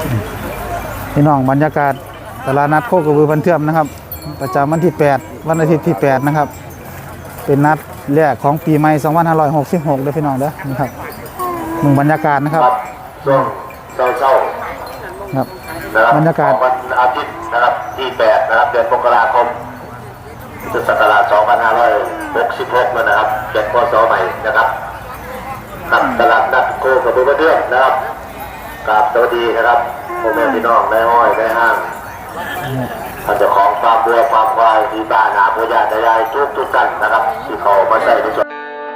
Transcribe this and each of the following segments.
พี่น้องบรรยากาศตลาดนัดโคกระบือพันเทื่อมนะครับประจำวันที่8วันอาทิตย์ที่8นะครับเป็นนัดแรกของปีใหม่2566เด้อพี่น้องเด้อนะครับมึงบรรยากาศนะครับเศร้าครับบรรยากาศวันอาทิตย์นะครับที่8นะครับเดือนมกราคมพุทธศักราช2566นะครับ7 พ.ศ. ใหม่นะครับครับตลาดนัดโคกระบือพันเทื่อมนะครับกราบสวัสดีนะครับพ่อแม่พี่น้องในห้อยในห้างท่านเจ้าของฟาร์มวัวฟาร์มควายที่บ้านนาพ่อญาติยายทุกท่านนะครับที่เขามาใส่ในส่วน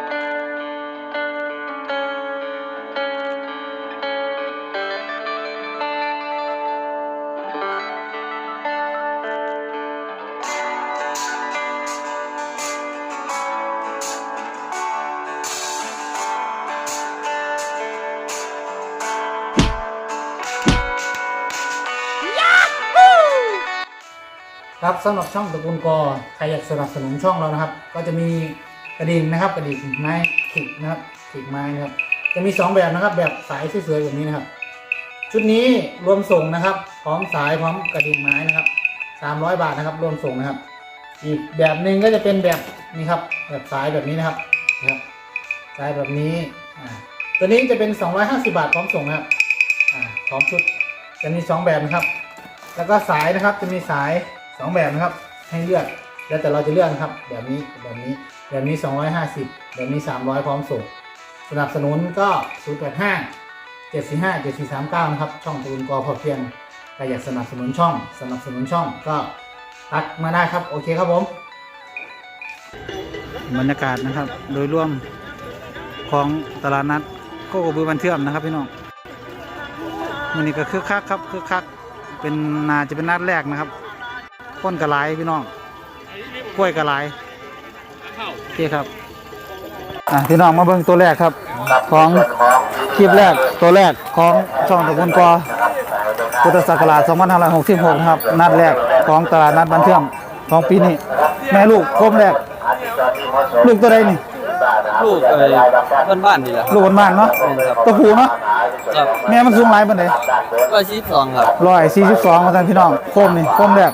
ครับสำหรับช่องตระกูลกอใครอยากสนับสนุนช่องเรานะครับก็จะมีกระดิ่งนะครับกระดิ่งไม้ขีดนะครับขีดไม้นะครับจะมี2แบบนะครับแบบสายสวยๆแบบนี้นะครับชุดนี้รวมส่งนะครับพร้อมสายพร้อมกระดิ่งไม้นะครับ300 บาทนะครับรวมส่งนะครับอีกแบบหนึ่งก็จะเป็นแบบนี้ครับแบบสายแบบนี้นะครับสายแบบนี้ตัวนี้จะเป็น250 บาทพร้อมส่งนะครับพร้อมชุดจะมี2แบบนะครับแล้วก็สายนะครับจะมีสาย2แบบนะครับให้เลือกแล้วแต่เราจะเลือกนะครับแบบนี้250แบบนี้300พร้อมส่งสนับสนุนก็085 745 7439นะครับช่องตระกูลกอพอเพียงใครอยากสนับสนุนช่องก็ทักมาได้ครับโอเคครับผมบรรยากาศนะครับโดยรวมของตลาดนัดโคกระบือพันเทื่อมนะครับพี่น้องวันนี้ก็คึกคักครับคึกคักเป็นน่าจะเป็นนัดแรกนะครับก้นกระไรพี่น้องกล้วยกระไรโอเคครับพี่น้องมาเบิ่งตัวแรกครับของคลิปแรกตัวแรกของช่องตระกูลกอพุทธศักราช2566นะครับนัดแรกของตลาดนัดบ้านเทื่อมของปีนี้แม่ลูกโคมแรกลูกตัวใดนี่ลูกบ้านนี่แหละลูกบ้านเนาะตัวผู้เนาะแม่มันสูงหลายปานใด 142ครับ 142มาท่านพี่น้องโคมนี่โคมแรก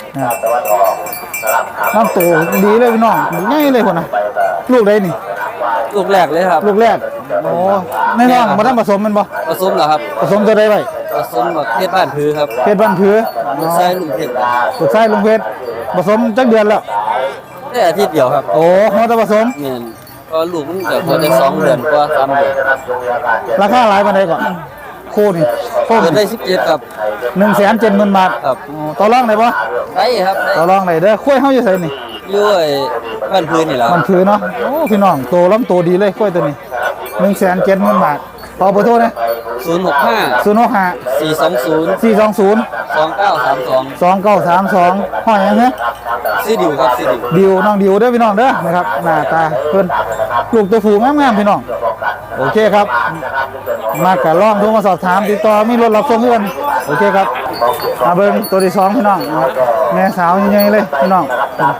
น้ำตัวดีเลยพี่น้องง่ายเลยคนนะลูกใดนี่ลูกแรกเลยครับลูกแรกโอ้ในท้องมาทำผสมมันบ่ผสมเหรอครับผสมตัวใดไว้ผสมแบบเพชรบ้านพื้ครับเพชรบ้านพื้ลูกไส้ลุงเพชรลูกไส้ลุงเพชรผสมจักเดือนแล้วได้อาทิตย์เดียวครับโอ้มาทำผสมเนี่ยก็ลูกมันเกิดพอได้2 เดือนกว่า3 เดือนราคาหลายปานใดก่อนคู่นี่คู่ได้17ครับ 170,000 บาทครับต่อรองได้บ่ได้ครับต่อรองได้เด้อคุ้ยเฮาอยู่ไสนี่อยู่บ้านพื้นนี่แหละบ้านพื้นเนาะโอ้พี่น้องโตล้ำโตดีเลยคุ้ยตัวนี้170,000 บาทต่อเบอร์โทรนะ 065 420 2932 ห้อยยังไงซีดิวครับซีดิวน้องดิวเด้อพี่น้องเด้อนะครับหน้าตาเพิ่นลูกตัวผูงามๆพี่น้องโอเคครับมากะลองโทรมาสอบถามติดต่อมีรถรับส่งเงินโอเคครับมาเบิ่งตัวที่2พี่น้องแม่สาวใหญ่ๆเลยพี่น้อง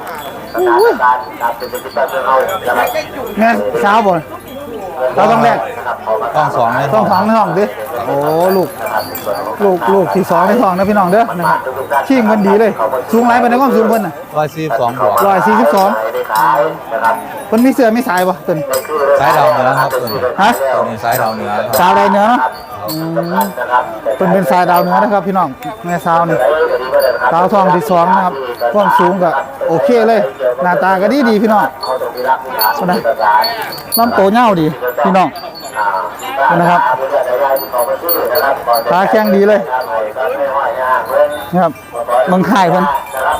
แม่สาวบ่เราต้องแรกต้อง2ในท้องดิโอ้ลูกที่2ในท้องนะพี่น้องเด้อนะครับขี้เงินดีเลยสูงหลายปานใดความสูงเพิ่นน่ะ 142บวกเพิ่นมีเสื้อมีสายบ่เพิ่นสายดาวเหนือครับฮะนี่สายดาวเหนือสาวดาวเหนือเนาะเพิ่นเป็นสายดาวเหนือนะครับพี่น้องแม่สาวนี่สาวท้องที่2นะครับความสูงก็โอเคเลยหน้าตาก็ดีพี่น้องนะลำโตยาวดีพี่น้องนะครับตาแข็งดีเลยนะครับเมืองไทยเพิ่น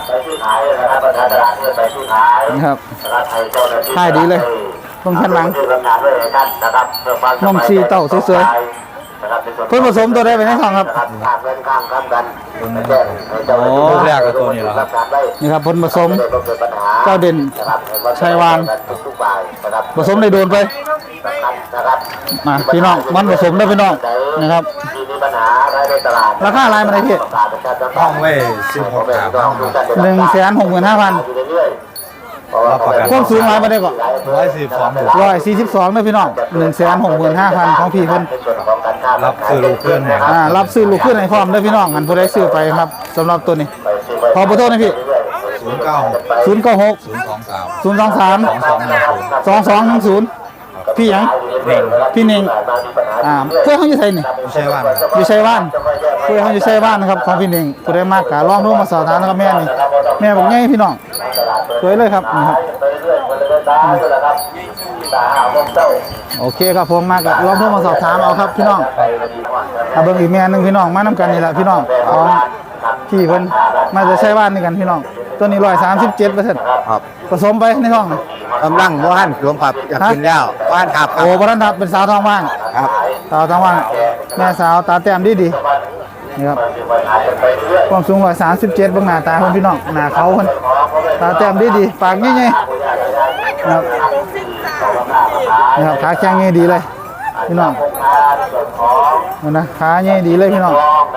นะครับไทยดีเลยตรงชั้นหลังนมซีเต่าสวยๆเพิ่นผสมตัวได้ไปในท้องครับลูกแรกกับตัวนี้แหละครับนี่ครับเพิ่นผสมเจ้าเด่นชัยวานผสมในโดนไปมาพี่น้องมันผสมได้พี่น้องนะครับราคาอะไรมาได้พี่ห้องเว้16,000 165,000 รับประกันความสูงหลายมาได้ก่อน 142บวก 142นะพี่น้อง165,000ของพี่เพิ่นรับซื้อลูกเพื่อนเนี่ยครับรับซื้อลูกขึ้นในพร้อมเด้อพี่น้องหันผู้ใดซื้อไปครับสำหรับตัวนี้ขอเบอร์โทรนะพี่ 096 096 023 023 2210 2210พี่หยังเน่งพี่เน่งเพื่อนเขาอยู่ไสนี่ไม่ใช่ว่านะครับอยู่ชัยบ้านเพื่อนเขาอยู่ชัยบ้านนะครับของพี่เน่งผู้ใดมากกะลองโทรมาสอบถามนะครับแม่นี่แม่บอกง่ายพี่น้องสวยเลยครับนี่ครับโอเคครับผมมากะลองโทรมาสอบถามเอาครับพี่น้องถ้าเบิ่งอีกแม่หนึงพี่น้องมานํกันนี่แหละพี่น้องของพี่เพิ่นมาจะชัยบ้านนี่กันพี่น้องตัวนี้137% ครับผสมไปในท้องกำลังว่านรวมครับอยากกินแล้วว่านครับโอ้บรันทับเป็นสาวท้องว่างครับสาวท้องว่างแม่สาวตาแต้มดีดีนี่ครับความสูง137เบื้องหน้าตาคนพี่น้องหน้าเขาคนตาแต้มดีดีปากใหญ่ๆนะครับขาแข็งใหญ่ดีเลยพี่น้องมันนะขาใหญ่ดีเลยพี่น้อง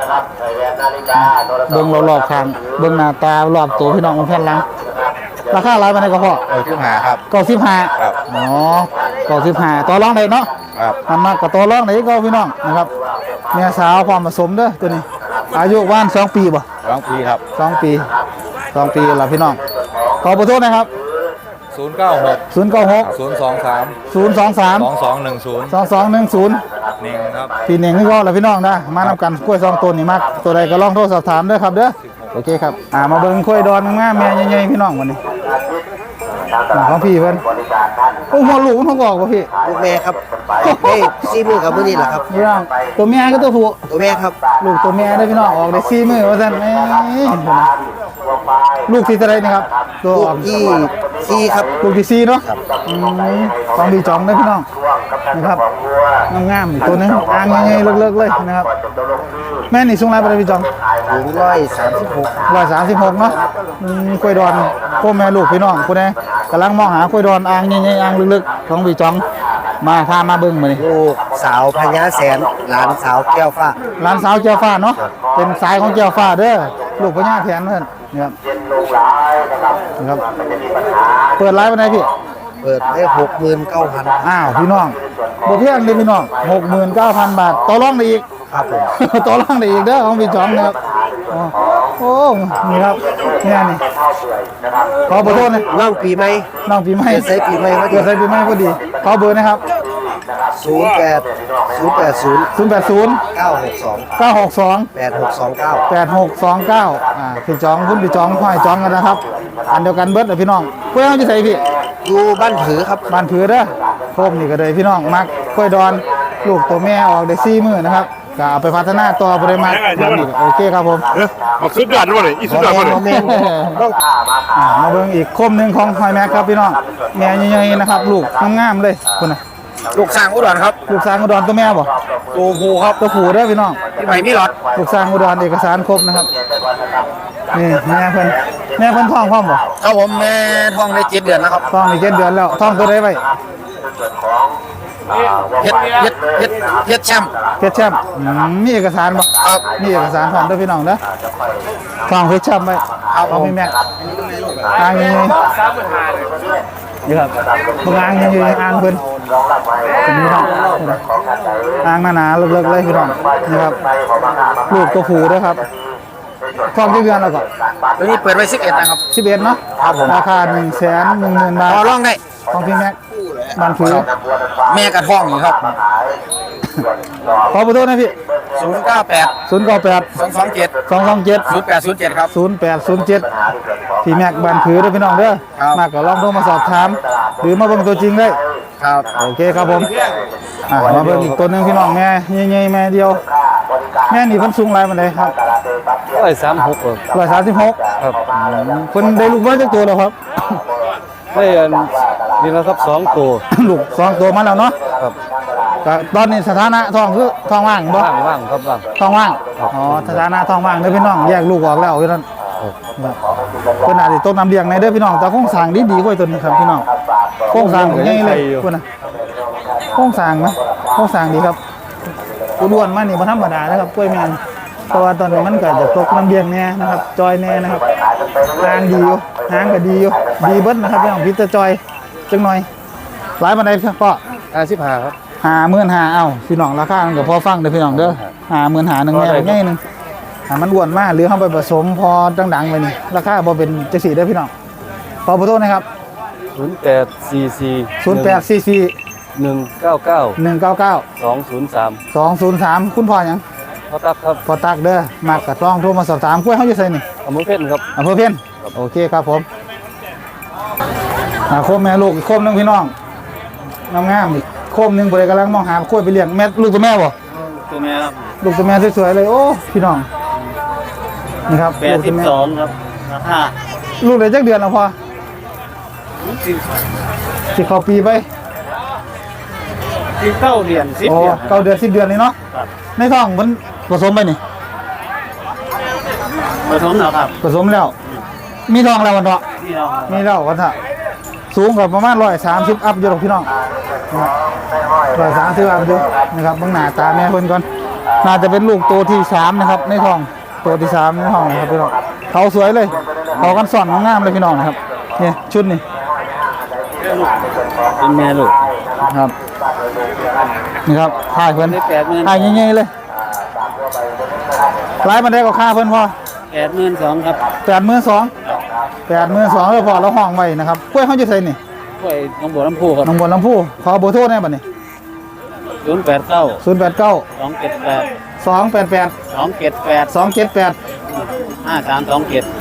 เบื้องรอบๆข้างเบื้องหน้าตารอบตัวพี่น้องมันแผ่นหลังราคาหลายปานใดก็พอขึ้นหาครับ 95 ครับอ๋อ95ต่อรองได้เนาะครับมันมากกับตัวรองไหนก็พี่น้องนะครับแม่สาวความผสมเด้อตัวนี้ อายุว่าน2 ปีบ่ 2 ปีครับ 2 ปี2 ปีละพี่น้องขอขอโทษนะครับ 096 096 023 023 2210 2210 เน่งครับพี่เน่งนี่ก็ละพี่น้องนะมานำกันกล้วย2ตัวนี่มากตัวใดก็ลองโทรสอบถามเด้อครับเด้อโอเคครับมาเบิ่งกล้วยดอนงามๆแม่ใหญ่ๆพี่น้องวันนี้ของพี่เพิ่นโอ้หัวลูกมันเขาบอกว่าพี่ลูกแม่ครับเฮ้ยซีมือกับมือนี่แหละครับพี่น้องตัวแม่ก็ตัวผู้ตัวแม่ครับลูกตัวแม่ได้อพี่น้องออกได้4มื้อว่าซั่นเอ้ยลูกที่เท่าไหร่นี่ครับตัวลูอก อกที่ซีครับลูกที่4เนาะต้องมีจองได้อพี่น้องนะครับงามๆตัวหนึงอ่างใหญ่ๆเลิกๆเลยนะครับแม่นี่สูงหลายบ่ได้พี่จองถึง136 136เนาะกล้วยดอนพ่อแม่ลูกพี่น้องผู้ใดกำลังมองหากล้วยดอนอ่างใหญ่ๆอ่างลึกๆของพี่จองมาพามาเบิ่งมื้อนี้ลูกสาวพญาแสนหลานสาวแก้วฟ้าหลานสาวเจ้าฟ้าเนาะเป็นสายของเจ้าฟ้าเด้อลูกพญาแถนเพิ่นนะครับนะครับเปิดไลฟ์วันไหนพี่เปิดให้69,000 อ้าวพี่น้องบ่เพียงเด้อพี่น้อง 69,000 บาทต่อรองได้อีกครับผมต่อรองได้อีกเด้อของพี่จอมนะครับอ๋อโอ้นี่ครับเนี่ยนี่ขอเบอร์โทรหนะน้องปีใหม่น้องปีใหม่เกิดใส่ปีใหม่พอดีเกิดใส่ปีใหม่พอดีขอเบอร์นะครับ 08 080 962 962 8629 8629พี่จองคุณพี่จองห้อยจองกันนะครับอันเดียวกันเบิดเด้อพี่น้องเพื่อนจะใส่พี่อยู่บ้านผือครับบ้านผือเด้อโคมนี่ก็เลยพี่น้องมักกล้วยดอนลูกตัวแม่ออกได้4มื้อนะครับก็เอาไปพัฒนาต่อบ่ได้มักแบบนี้ก็โอเคครับผมสุดยอดเลยอีสุดยอดเลยโมเมนต์ต้องมาเบิ่งอีกคมหนึ่งของหอยแม็กครับพี่น้องแม่ใหญ่ๆนะครับ ลูกงามๆเลยคุณนะลูกสร้างอุดรครับลูกสร้างอุดรตัวแม่บ่ตัวผู้ครับตัวผู้เด้อพี่น้องพี่ใหม่มีหลอดลูกสร้างอุดรเอกสารครบนะครับนี่แม่เพิ่นท้องพร้อมบ่ครับผมแม่ท้องได้7เดือนแล้วครับท้องนี่7 เดือนแล้วท้องตัวใดไว้เฮ็ดแชมป์เพชรแชมป์มีเอกสารบ่ครับมีเอกสารพร้อมเด้อพี่น้องเด้อท้องเพชรแชมป์ไว้เอาพี่แม็กอ่างใหญ่ๆนี่ครับเบิ่งอ่างใหญ่ๆอ่างเพิ่นนี่ครับอ่างหนาๆเลิกๆเลยพี่น้องนี่ครับลูกตัวผู้เด้อครับท้องกี่เดือนแล้วก็ตัวนี้เปิดไว้11นะครับ 11เนาะราคา110,000 บาทต่อรองได้ของพี่แม็กบ้านผือแม่กระท้องอยู่ครับขอเบอร์โทรนะพี่ 098 098 227 227 0807ครับ 0807พี่แม็กบ้านผือเด้อพี่น้องเด้อครับมากก็ลองโทรมาสอบถามหรือมาเบิ่งตัวจริงได้ครับโอเคครับผมมาเบิ่งอีกตัวหนึงพี่น้องแม่ใหญ่ๆแม่เดียวแม่นี่เพิ่นสูงหลายปานใดครับ 136ครับ 136 ครับเพิ่นได้ลูกน้อยจักตัวแล้วครับได้อันนี่แล้วครับ2ตัวลูก2ตัวมาแล้วเนาะครับก็ตอนนี้สถานะท้องคือท้องว่างบ่ว่างครับว่างท้องว่างอ๋อสถานะท้องว่างเด้อพี่น้องแยกลูกออกแล้วอยู่นั่นเพิ่นอาจสิต้นน้ำเลี้ยงในเด้อพี่น้องแต่โครงสร้างดีๆกว่าตัวนี้ครับพี่น้องโครงสร้างใหญ่เลยพุ่นน่ะโครงสร้างนะโครงสร้างดีครับอ้วนๆมานี่บ่ธรรมดานะครับกล้วยแม่นเพราะว่าตอนนี้มันก็จะตกน้ำเบียงแน่นะครับจอยแน่นะครับทางดีอยู่ทางก็ดีอยู่ดีเบิ้ลนะครับพี่น้องพิจจอยจังหน่อยหลายบันไดครับพ่อ 55ครับ 55,000เอ้าพี่น้องราคามันก็พอฟังเด้อพี่น้องเด้อ55,000นึงแม่ใหญ่นึงมันอ้วนมากหรือเอาไปผสมพอดังๆไปนี่ราคาบ่เป็นจังซี่เด้อพี่น้องขอขอโทษนะครับ 0844 199 199 203 203คุณพ่อหยังพ่อตักครับพ่อตักเด้อมากก็ต้องโทรมาสอบถามกล้วยเฮาอยู่ไสนี่อำเภอเพ็ญครับอำเภอเพ็ญโอเคครับผมโคมแม่ลูกอีกโคมหนึงพี่น้องงามๆอีกโคมหนึงบ่ได้กำลังมองหากล้วยไปเลี้ยงแม่ลูกตัวแม่บ่ตัวแม่ครับลูกตัวแม่สวยๆเลยโอ้พี่น้องนี่ครับลูกตัวแม่ 82ครับราคาลูกได้จักเดือนแล้วพอสิเข้าปีไป 19เดือน10 โอ้เดือน 9 เดือน10 เดือนนี่เนาะในท้องมันผสมไปนี่ผสมแล้วครับผสมแล้ว มีท้องแล้ววันเนาะนี่เราครับมีแล้ววันเถอะสูงกว่าประมาณ130อัพอยู่หรอกพี่น้อง130อัพอยู่นะครับเบิ่งหน้าตาแม่เพิ่นก่อนน่าจะเป็นลูกตัวที่3นะครับในท้องตัวที่3ในท้องนะครับพี่น้องเขาสวยเลยเขากันสอนงามเลยพี่น้องนะครับนี่ชุดนี่เป็นแม่ลูกครับนี่ครับถ่ายเพิ่น 80,000 ถ่ายใหญ่ๆเลยรายมันได้ก็ค่าเพิ่นพอ 82,000ครับ 82,000แล้วพอเราห้องไว้นะครับกล้วยเฮาจะใส่นี่กล้วยหนองบัวลำพูครับน้องบนลำพูขอเบอร์โทรได้บัดนี้ 089 089 278 288 278 278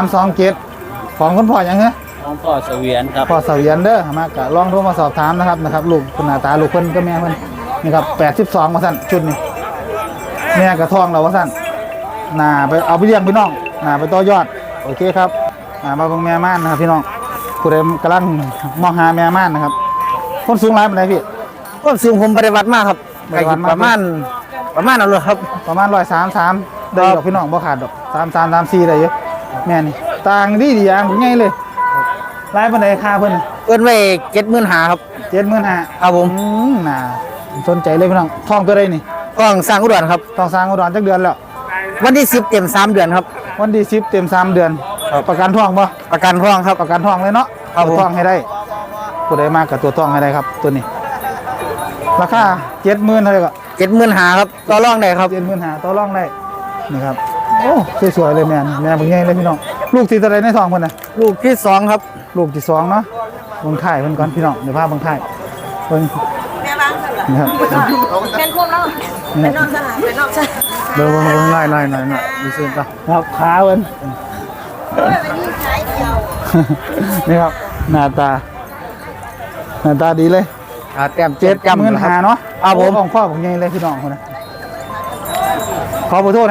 5327ของคุณพ่อหยังเหรอของพ่อเสวียนครับพ่อเสวียนเด้อมากะลองโทรมาสอบถามนะครับลูกคุณหน้าตาลูกเพิ่นก็แม่เพิ่นนี่ครับ82ว่าซั่นชุดนี้แม่กระท้องเราว่าซั่นหน้าไปเอาไปเลี้ยงพี่น้องหน้าไปต่อยอดโอเคครับมาเบิ่งแม่ม่านนะครับพี่น้องผู้ใดกำลังมองหาแม่ม่านนะครับคนสูงหลายปานใดพี่ก็สูงผมปฏิบัติมากครับปฏิบัติมากประมาณเอาเลยครับประมาณ133ได้ดอกพี่น้องบ่ขาดดอก33 34ได้เยอะแม่นี่ต่างดีอย่างง่ายเลยหลายปานใดค่าเพิ่นน่ะเอิ้นไว้75,000ครับ 75,000 ครับผมน่าสนใจเลยพี่น้องท้องตัวใดนี่ต้องสร้างอุดรครับต้องสร้างอุดรจักเดือนแล้ววันที่10เต็ม3เดือนครับวันที่10เต็ม3เดือนประกันท้องบ่ประกันท้องครับประกันท้องเลยเนาะครับผมตัวท้องให้ได้ผู้ใดมากกับตัวท้องให้ได้ครับตัวนี้ราคา70,000เท่าไหร่ก็ 75,000ครับต่อรองได้ครับ 75,000ต่อรองได้นี่ครับโอ้สวยๆเลยแม่นแม่เบิ่งใหญ่เลยพี่น้องลูกที่เท่าไหร่ในท้องเพิ่นน่ะลูกที่2ครับลูกที่2เนาะเบิ่งท้ายเพิ่นก่อนพี่น้องเดี๋ยวพาเบิ่งท้ายเพิ่นแม่บ้างค่ะนี่ครับเป็นควบแล้วเป็นนอกสนามเป็นนอกสนามเบิ่งไล่ๆหน่อยดูซิป่ะครับขาเพิ่นเป็นยิ่งใช้เดียวนี่ครับหน้าตาดีเลยแต้ม 75,000เนาะครับผมของพ่อผมใหญ่เลยพี่น้องคนนะขอขอโทษนะ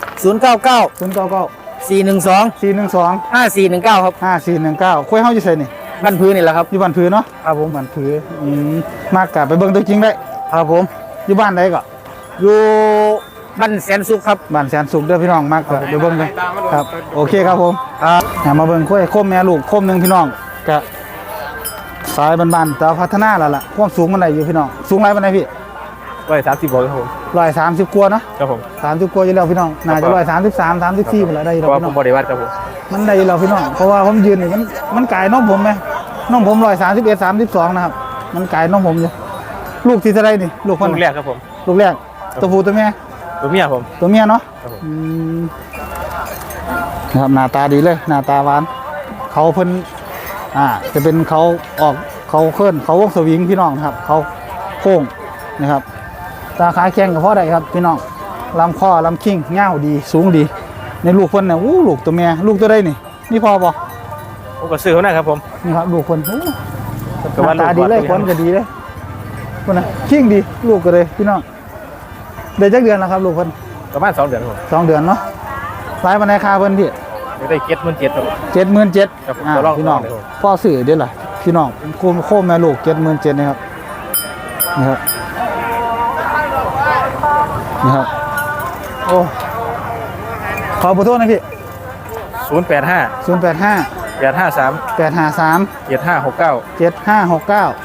099 099 412 412 5419ครับ 5419คุยเฮาอยู่ไสนี่บ้านพื้นนี่แหละครับอยู่บ้านผือเนาะครับผมบ้านผือมากกะไปเบิ่งตัวจริงได้ครับผมอยู่บ้านใดก็อยู่บ้านแสนสุขครับบ้านแสนสุขเด้อพี่น้องมากกะไปเบิ่งเลยครับโอเคครับผมมาเบิ่งคุยโคมแม่ลูกโคมหนึงพี่น้องกะสายบ้านๆแต่ว่าพัฒนาแล้วล่ะความสูงมันได้อยู่พี่น้องสูงหลายปานใดพี่ 130บาทครับผม 130กว่าเนาะครับผม 30กว่าอยู่แล้วพี่น้องน่าจะ133 34หมดแล้วได้อยู่เพแล้วราะว่าพี่ผน้องมบริวัตรครับผมมันได้อยู่แล้วพี่น้องเพราะว่าผมยืนนี่มันไก่น้องผมไหมน้องผม131 32นะครับมันไก่น้องผมอยู่ลูกที่เท่าไรนี่ลูกคนลูกแรกครับผมลูกแรกตัวผู้ตัวแม่ตัวเมียผมตัวเมียเนาะครับผมนะครับหน้าตาดีเลยหน้าตาหวานเขาเพิ่นจะเป็นเขาออกเขาเคลื่อนเขาวงสวิงพี่น้องนะครับเขาโค้งนะครับตาขาแข็งกับพ่อใดครับพี่น้องลำคอลำคิ้งเง่าวดีสูงดีในลูกเพิ่นเนี่ยลูกตัวเมียลูกตัวใดนี่นี่พอบ่ผมก็ซื้อเขานะครับผมนี่ครับลูกคนหแต่ว่าน้าตาดีเลยลูกคนก็ดีเลยคนน่ะคิ้งดีลูกก็เลยพี่น้องเดือนจักเดือนแล้วครับลูกเพิ่นประมาณ2 เดือนครับผม 2 เดือนเนาะรายบันไดค่าเพิ่นพี่ได้77,000ครับ 77,000 ครับผมตัวรองพี่น้องตัวรองพ่อสื่อเด้อล่ะพี่น้องโคมแม่ลูก77,000นะครับนะครับนะครับโอ้ขอขอโทษนะพี่ 085 085 853 853 7569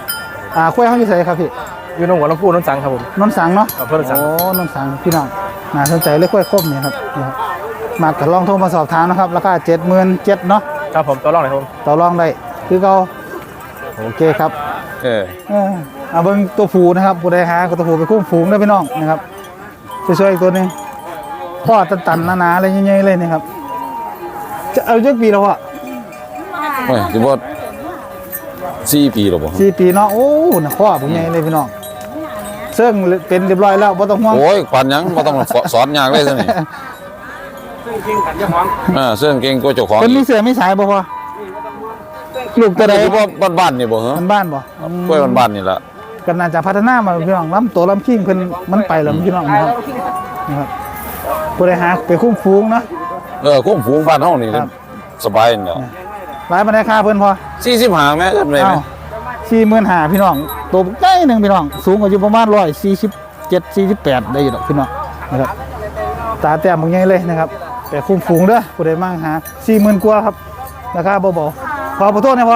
7569คุยเขาอยู่ไสครับพี่อยู่หนองบัวลำพูนนนท์สังครับผมนนท์สังเนาะอำเภอนนท์สังโอ้นนท์สังพี่น้องน่าสนใจเลยกล้วยคมเนี่ยครับนี่ครับมาก็ลองโทรมาสอบถามนะครับราคา77,000เนาะครับผมตัวรองเลยครับผมต่อรองได้คือเขาโอเคครับเออเอาเบิ่งตัวผูนะครับผู้ใดหาก็ตัวผูไปคุ้มฝูงได้พี่น้องนะครับช่วยๆอีกตัวหนึงพ่อตันๆหนาๆอะไรเงี้ยๆเลยนะครับจะเอาจักปีแล้วอ่ะโอ้ยสิบ่4 ปีแล้วบ่ 4 ปีเนาะโอ้น่ะพ่อผู้ใหญ่เลยพี่น้องเซิ่งเป็นเรียบร้อยแล้วบ่ต้องห่วงโอ้ยปานหยังบ่ต้องสอนยากเลยซะนี่เสื่องเก่งกว่าเจ้าของเพิ่นมีเสือมีสายบ่พอลูกตัวใดสิบ่บ้านๆนี่บ่เหรอมันบ้านบ่กล้วยบ้านๆนี่ล่ะก็น่าจะพัฒนามาพี่น้องลำตัวลำคิงเพิ่นมันไปแล้วพี่น้องนะครับผู้ใดหาไปคุ้มฝูงเนาะคุ้มฝูงบ้านเฮานี่ครับสบายนี่แหละหลายปานใดค่าเพิ่นพอ 45แม่เอิ้นไว้ไหมอ้าว45,000พี่น้องตัวใหญ่หนึงพี่น้องสูงกว่าอยู่ประมาณ147 48ได้อยู่ดอกพี่น้องนะครับตาแต้มบ่ใหญ่เลยนะครับแต่คุ้มฝูงเด้อผู้ใดมาหา 40,000 กว่าครับราคาเบาๆพอขอโทษนะพอ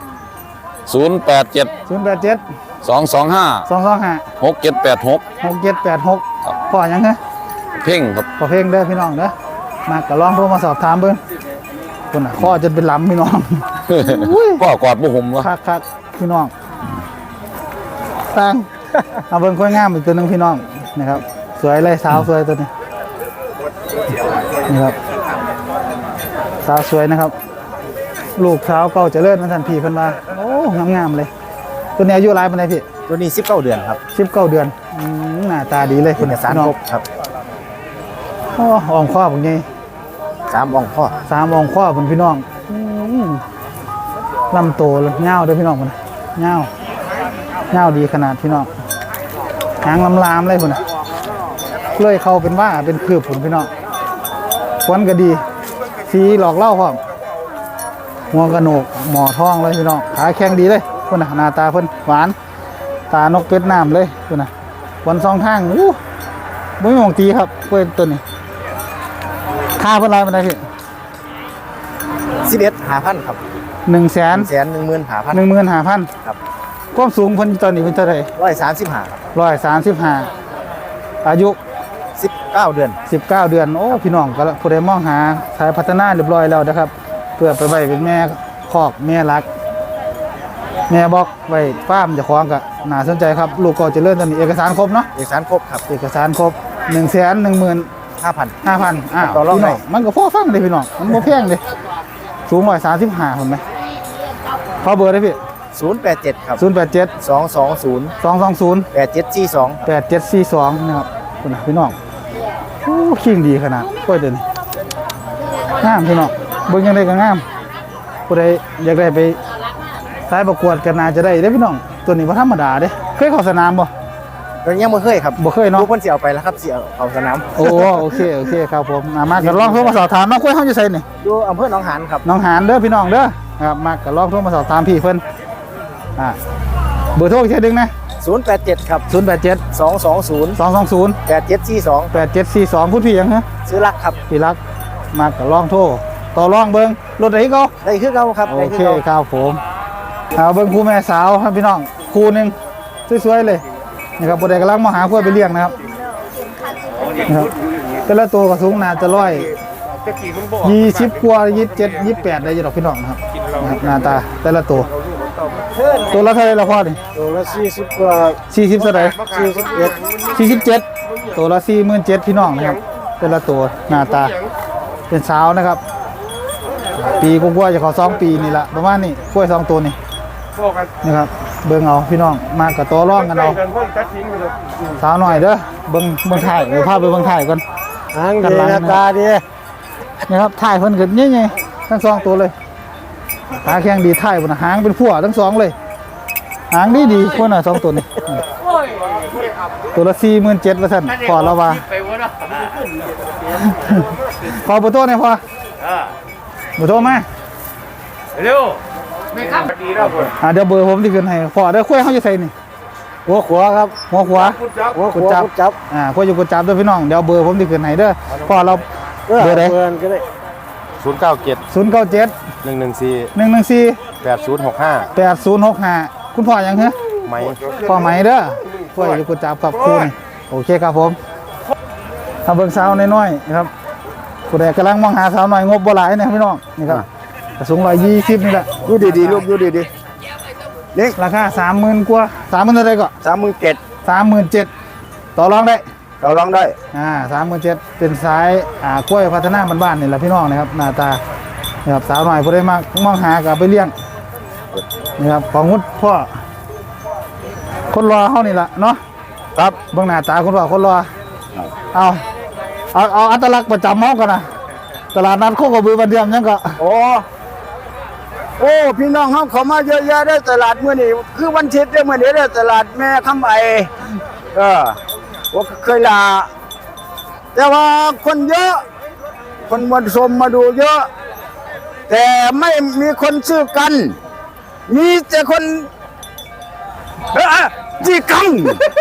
087 087 225 225 6786 6786พอหยังฮะเพ่งครับพอเพลงเด้อพี่น้องเด้อมาก็ลองโทรมาสอบถามเบิ่งคนน่ะข้อจนเป็นลำพี่น้องพ่อกอดบ่ห่มวะคักพี่น้องตั้งเอาเบิ่งค่อยงามอีกตัวหนึงพี่น้องนะครับสวยเลยสาวสวยตัวนี้นี่ครับสาวสวยนะครับ ลูกสาวเก่าเจริญมันทันพี่เพิ่นว่าโอ้งามๆเลยตัวนี้อายุหลายปานใดพี่ตัวนี้19เดือนครับ 19 เดือนหน้าตาดีเลยคุณสารพี่น้องครบครับอ๋ออ่องข้อผมไง 3องค์พ่อ 3อ่องข้อผมพี่น้องลำโตเลยเงาเด้อพี่น้องพุ่นน่ะเงาดีขนาดพี่น้องหางลามๆเลยพุ่นน่ะเลยเข้าเป็นว่าเป็นคืบพุ่นพี่น้องควันก็ดีสีหลอกเล่าพร้อมหัวกระโหนกหมอทองเลยพี่น้องขาแข็งดีเลยพุ่นน่ะหน้าตาเพิ่นหวานตานกเป็ดน้ำเลยพุ่นน่ะวันสองทางอู้บ่มีหม่องตีครับเพิ่นตัวนี้ค่าเพิ่นไรมันได้พี่ 11,500ครับ 100,000 115,000 15,000 ครับความสูงเพิ่นตอนนี้เพิ่นเท่าไหร่ 135ครับ 135อายุ 19เดือน 19 เดือนโอ้พี่น้องก็ผู้ใดมองหาสายพัฒนาเรียบร้อยแล้วนะครับเพื่อไปไว้เป็นแม่คอกแม่รัก แม่บอกไว้ฟาร์มเจ้าของก็น่าสนใจครับลูกก็เจริญตอนนี้เอกสารครบเนาะเอกสารครบครับเอกสารครบ 115,000 5,000 อ้าวต่อรองพี่หน่น้ออง ยมันก็พอฟังเลยพี่น้องมันบ่แพงเลยสูง135คนไหมขอเบอร์ได้พี่ 087 ครับ 087 220 220 8742 8742นะครับคุณนะพี่น้องโอ้ขิงดีขนาดกล้วยเดินงามพี่น้องเบิ่งยังไงก็งามผู้ใดอยากได้ไปสายประกวดกันน่าจะได้เด้อพี่น้องตัวนี้บ่ธรรมดาเด้เคยเข้าสนามบ่ตอนนี้ยังบ่เคยครับบ่เคยเนาะลูกเพิ่นสิเอาไปแล้วครับสิเอาสนามโอ้โอเคครับผมมาก็ลองโทรมาสอบถามน้องกล้วยเฮาอยู่ไสนี่อยู่อำเภอหนองหานครับน้องหานเด้อพี่น้องเด้อครับมาก็ลองโทรมาสอบถามพี่เพิ่นเบอร์โทรอีกทีนึงนะ 087 ครับ 087 220 220 8742 8742พูดพี่ยังฮะซื้อรักครับพี่รักมาก็ลองโทรต่อรองเบิ่งรถไหนก็ได้คือเก่าครับโอได้คือเคเก่าครับผมเอาเบิ่งคู่แม่สาวครับพี่น้องคู่หนึงสวยๆเลยนี่ครับผู้ใดกำลังมาหาคู่ไปเลี้ยงนะครับแต่ละตัวก็สูงน่าจะ120กว่า27 28ได้อยู่ดอกพี่น้องนะครับหน้าตาแต่ละตัวละเท่าไหร่ละพ่อนี่ตัวละ40กว่า 40เท่าไหร่47ตัวละ47,000พี่น้องนะครับแต่ละตัวหน้าตาเป็นสาวนะครับปีกว่าๆจะขอ2 ปีนี่ละประมาณนี้กล้วย2ตัวนี่นะครับเบิ่งเอาพี่น้องมากับตัวร่องกันเอาสาวหน่อยเด้อเบิ่งถ่ายเดี๋ยวพาไปเบิ่งถ่ายก่อนหางดีหน้าตาดีนะครับถ่ายเพิ่นก็ใหญ่ๆทั้ง2ตัวเลยหาแข้งดีถ่ายบนหางเป็นพั่วทั้ง2เลยหางดีๆคนน่ะ2ตัวนี่ตัวละ47,000ว่าซั่นพอแล้วว่าขอเบอร์โทรหน่อยพอเบอร์โทรมาเร็วเดี๋ยวเบอร์ผมที่ขึ้นให้พอเดี๋ยวคุยเขาจะใส่นี่หัวขวาครับหัวขวาหัวขกุดวาจับกุดจับคุยอยู่กุดจับเด้อพี่น้องเดี๋ยวเบอร์ผมที่ขึ้นให้เด้อพอเราเบอร์ใดเบอร์ก็ได้ 097 097 114 114 8065 8065คุณพ่อยังเหรอไหมพ่อไหมเด้อคุยอยู่กุดจับกับคุณโอเคครับผมเอาเบิ่งสาวน้อยๆนะครับผู้ใดกำลังมองหาสาวน้อยงบบ่หลายนะครับพี่น้องนี่ครับสูง120นี่แหละดูดีๆลูกดูดีๆนี่ราคา 30,000 กว่า 30,000เท่าไหร่ก็ 37,000 37,000ต่อรองได้เราลองได้ 37,000เป็นสายกล้วยพัฒนาบ้านๆนี่แหละพี่น้องนะครับหน้าตานะครับสาวน้อยผู้ใดมองหาก็เอาไปเลี้ยงนะครับของงุดพ่อคนรอเฮานี่ล่ะเนาะครับเบื้องหน้าตาคุณพ่อคนรอเอาอัตลักษณ์ประจำเฮากันนะตลาดนัดโคกระบือบันเทียมยังก็โอ้พี่น้องเฮาเขามาเยอะแยะได้ตลาดมื้อนี้คือวันอาทิตย์ได้มื้อนี้ได้ตลาดแม่คำไอว่าเคยลาแต่ว่าคนเยอะคนมาชมมาดูเยอะ แต่ไม่มีคนซื้อกัน มีแต่คนจีกัง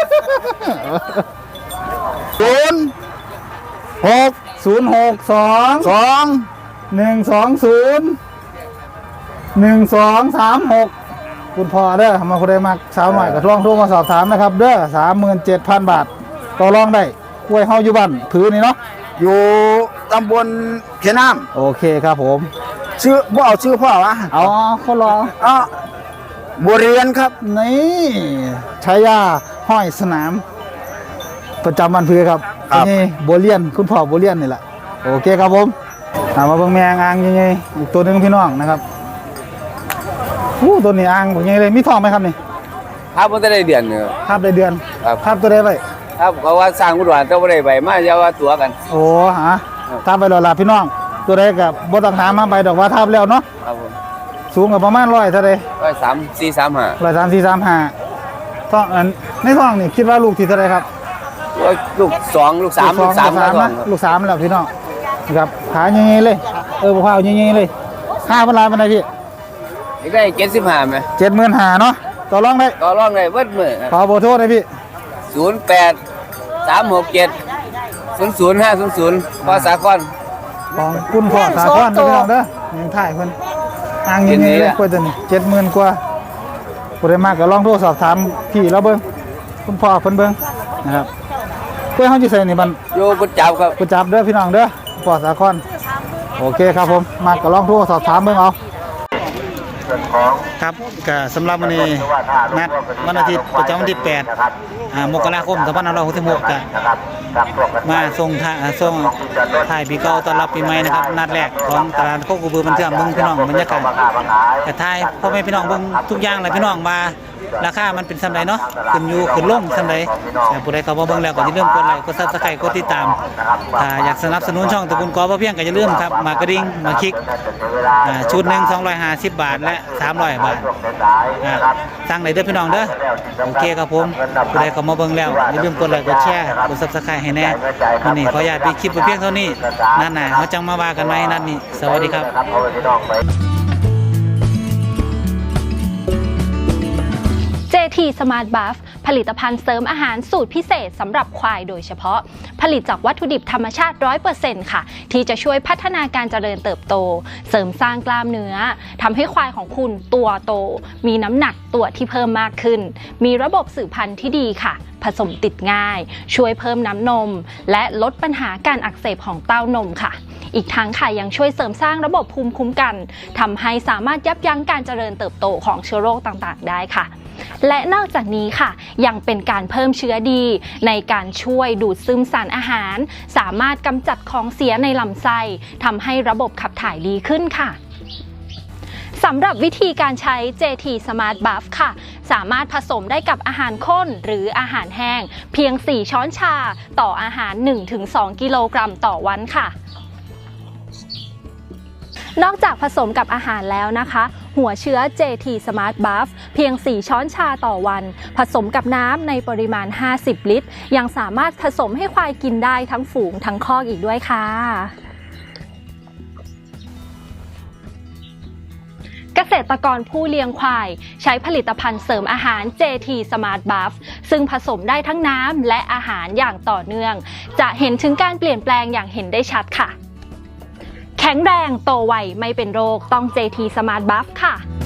062 120 1236คุณพ่อเด้อมาคนใดมักสาวหน่อยก็ลองโทรมาสอบถามนะครับเด้อ 37,000 บาทต่อรองได้กล้วยเฮาอยู่บ้านผือนี่เนาะอยู่ตำบลเขียน้ำโอเคครับผมชื่อบ่เอาชื่อพ่อวะเอาคนรอบัวเรียนครับนี่ชายาห้อยสนาม ประจำวันพือครับนี่โบเลียนคุณพ่อโบเลียนนี่แหละโอเคครับผมมาเบิ่งแมงอ่างยังไงอีกตัวหนึ่งพี่น้องนะครับตัวนี้อ่างยังไงเลยมีทองไหมครับนี่ครับมันจะได้เดือนเนี่ยภาพได้เดือนครับภาพตัวได้ไปครับเพราะว่าสร้างอุดรแต่บ่ได้ใบมาอย่าว่าตัวกันโอ้ฮะทาไปรอลาพี่น้อง ตัวได้กับบ่ต้องถามมาไปดอกว่าทับแล้วเนาะครับผมสูงกับประมาณ100เท่าไร 3 4 3 5 13435ท้องในท้องนี่คิดว่าลูกที่เท่าไรครับลูก2ลูก3ลูก3 นะลูก3แล้วพี่น้องนะครับขาเงี้ยๆเลยบ่พาวเงี้ยๆเลย5,000 ล้านปานใดพี่อีกได้75มั้ย 75,000เนาะต่อรองได้ต่อรองได้เบิดมื้อขอเบอร์โทรได้พี่ 08 367 00500พอสากลของคุณพ่อสาครเด้อพี่น้องเด้อยังถ่ายเพิ่นอ่างเงี้ยๆเลยกว่าตัวนี้70,000 กว่าบ่ได้มากก็ลองโทรสอบถามพี่เราเบิ่งคุณพ่อเพิ่นเบิ่งนะครับเพื่อเฮาสิใส่นี่บันอยู่กุดจับครับกูจับเด้อพี่น้องเด้อปอดสาครโอเคครับผมมาก็ลองโทรสอบถามเบิ่งเอาครับก็สำหรับวันนี้นัดวันอาทิตย์ประจำวันที่8มกราคม2566ก็มาส่งถ่ายปีเก่าต้อนรับปีใหม่นะครับนัดแรกของตลาดโคกระบือบันเทิงเบิ่งพี่น้องบรรยากาศกระทายพ่อแม่พี่น้องเบิ่งทุกอย่างเลยพี่น้องมาราคามันเป็นสำไรเนาะขึ้นอยู่ขึ้นลงสำไรแต่ผู้ใดเข้ามาเบิ่งแล้วก็อย่าลืมกดไลค์กด Subscribe กดติดตามถ้าอยากสนับสนุนช่องตระกูลกอบ่เพียงก็อย่าลืมครับมากระดิ่งมาคลิกชุดหนึ่ง250 บาทและ300 บาทสั่งได้เด้อพี่น้องเด้อโอเคครับผมผู้ใดเข้ามาเบิ่งแล้วอย่าลืมกดไลค์กดแชร์กด Subscribe ให้แน่วันนี้ขออนุญาตปิดคลิปไปเพียงเท่านี้นัดหน้าเฮาจังมาว่ากันใหม่นัดนี้สวัสดีครับ JT Smart Buff ผลิตภัณฑ์เสริมอาหารสูตรพิเศษสำหรับควายโดยเฉพาะผลิตจากวัตถุดิบธรรมชาติ 100% ค่ะที่จะช่วยพัฒนาการเจริญเติบโตเสริมสร้างกล้ามเนื้อทำให้ควายของคุณตัวโตมีน้ำหนักตัวที่เพิ่มมากขึ้นมีระบบสืบพันธุ์ที่ดีค่ะผสมติดง่ายช่วยเพิ่มน้ำนมและลดปัญหาการอักเสบของเต้านมค่ะอีกทั้งค่ะยังช่วยเสริมสร้างระบบภูมิคุ้มกันทำให้สามารถยับยั้งการเจริญเติบโตของเชื้อโรคต่างๆได้ค่ะและนอกจากนี้ค่ะยังเป็นการเพิ่มเชื้อดีในการช่วยดูดซึมสารอาหารสามารถกำจัดของเสียในลำไส้ทำให้ระบบขับถ่ายดีขึ้นค่ะสำหรับวิธีการใช้ JT Smart Buff ค่ะสามารถผสมได้กับอาหารข้นหรืออาหารแห้งเพียง4 ช้อนชาต่ออาหาร 1-2 กิโลกรัมต่อวันค่ะนอกจากผสมกับอาหารแล้วนะคะหัวเชื้อ JT Smart Buff เพียง4 ช้อนชาต่อวันผสมกับน้ำในปริมาณ50 ลิตรยังสามารถผสมให้ควายกินได้ทั้งฝูงทั้งคอกอีกด้วยค่ะเกษตรกรผู้เลี้ยงควายใช้ผลิตภัณฑ์เสริมอาหาร JT Smart Buff ซึ่งผสมได้ทั้งน้ำและอาหารอย่างต่อเนื่องจะเห็นถึงการเปลี่ยนแปลงอย่างเห็นได้ชัดค่ะแข็งแรงโตไวไม่เป็นโรคต้อง JT Smart Buff ค่ะ